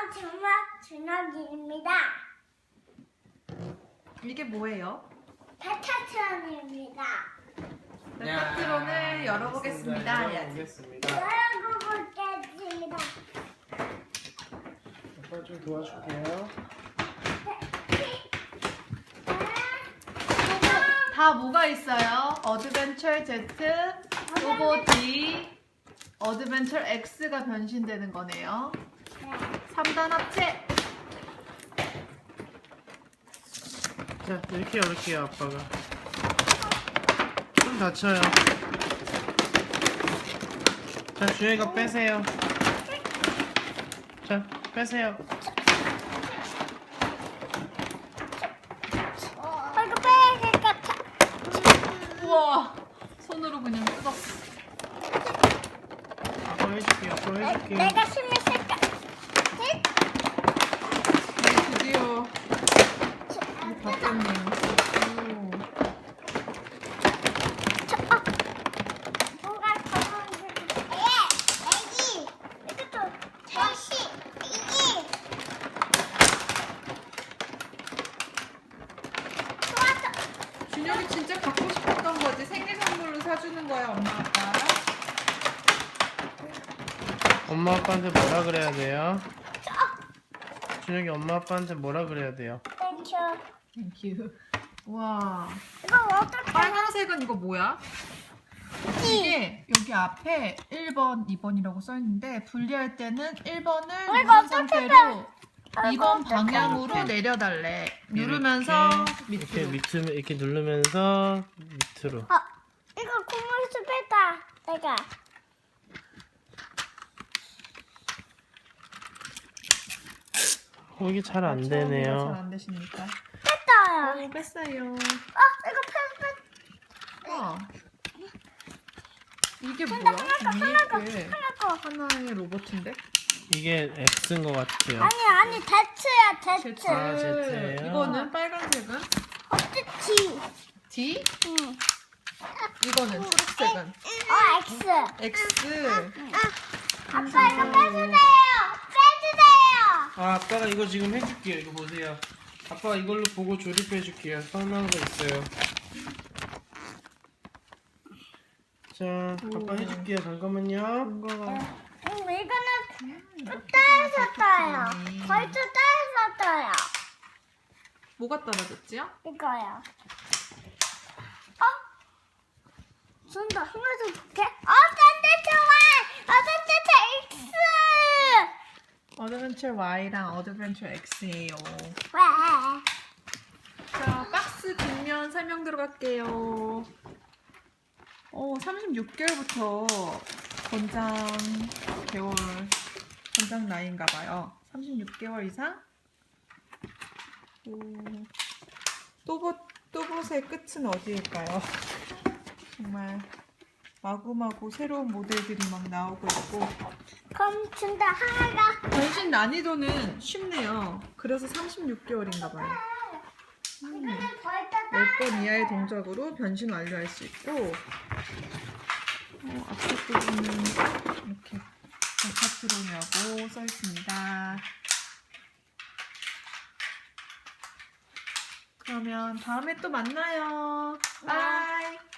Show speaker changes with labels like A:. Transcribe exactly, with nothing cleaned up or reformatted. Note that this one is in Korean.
A: 정말 준혁이입니다.
B: 이게 뭐예요?
A: 베타트론입니다.
B: 베타트론을 열어보겠습니다.
C: 열어보겠습니다.
A: 열어보겠습니다.
C: 아빠 좀 도와줄게요.
B: 다 뭐가 있어요? 어드벤처 Z, 또보 D, 어드벤처 X가 변신되는 거네요. 삼 단 합체!
C: 자, 이렇게 열을게요, 아빠가. 좀 다쳐요. 자, 준혁이가 빼세요. 자, 빼세요.
A: 어, 이거 빼야 될 것 같아.
B: 우와! 손으로 그냥 뜯었어.
C: 아빠 해줄게요, 아빠 해줄게요.
A: 내가 힘을 쓸까?
B: 드디어 바뀌었네요.
A: 뭐가 가만히 예, 애기. 이것도 셋이 애기. 좋았어.
B: 준혁이 진짜 갖고 싶었던 거지. 생일 선물로 사주는 거야, 엄마 아빠.
C: 엄마 아빠한테 뭐라 그래야 돼요? 준혁이 엄마 아빠한테 뭐라 그래야 돼요?
A: 땡큐.
B: 땡큐. 와.
A: 이거 어떻게
B: 빨간색은 이거 뭐야? 이게 여기 앞에 일 번, 이 번이라고 써있는데 분리할 때는 일 번을
A: 이거
B: 누른
A: 어떻게
B: 상태로
A: 돼?
B: 이 번
A: 이거
B: 방향으로
C: 어떻게
B: 내려달래. 누르면서
C: 이렇게
B: 밑으로.
C: 밑으로 이렇게 누르면서 밑으로.
A: 어, 이거 고무줄 뺐다. 내가.
C: 어, 이게 잘 안
B: 잘
C: 되네요.
B: 안 되십니까?
A: 뺐다.
B: 오, 뺐어요.
A: 어, 이거 뺐, 뺐.
B: 와. 이게
A: 근데
B: 뭐야?
A: 하나가,
B: 위에 게
A: 하나 거.
B: 하나의 로봇인데?
C: 이게 X인 것 같아요.
A: 아니, 아니, 대츠야, 대츠.
B: Z.
C: 아, Z예요?
B: 이거는 빨간색은?
A: 어떻지?
B: D?
A: 응.
B: 이거는 초록색은?
A: 어, X.
B: X.
A: 아빠, 이거 빼주세요. 빼주세요.
C: 아, 아빠가 이거 지금 해줄게요. 이거 보세요. 아빠가 이걸로 보고 조립해줄게요. 설명서 있어요. 자, 아빠
B: 오.
C: 해줄게요. 잠깐만요.
B: 뭔가가
A: 음, 이거는 따에서 따요. 벌써 따에서 따요.
B: 뭐가 떨어졌지요?
A: 이거요. 어? 손도 하나 좀 볼게. 어, 딴데 좋아. 어, 딴데 X.
B: 어드벤처 Y랑 어드벤처 X예요.
A: 왜?
B: 자, 박스 뒷면 설명 들어갈게요. 어, 삼십육 개월부터 권장 개월, 권장 나이인가 봐요. 삼십육 개월 이상? 오, 또봇, 또봇의 끝은 어디일까요? 정말 마구마구 새로운 모델들이 막 나오고 있고
A: 그럼 준다 하나가.
B: 변신 난이도는 쉽네요. 그래서 삼십육 개월인가 봐요.
A: 이거는 벌써 따.
B: 열 번 이하의 동작으로 변신 완료할 수 있고 어, 앞에 부분은 이렇게 베타트론이라고 써 있습니다. 그러면 다음에 또 만나요. 바이.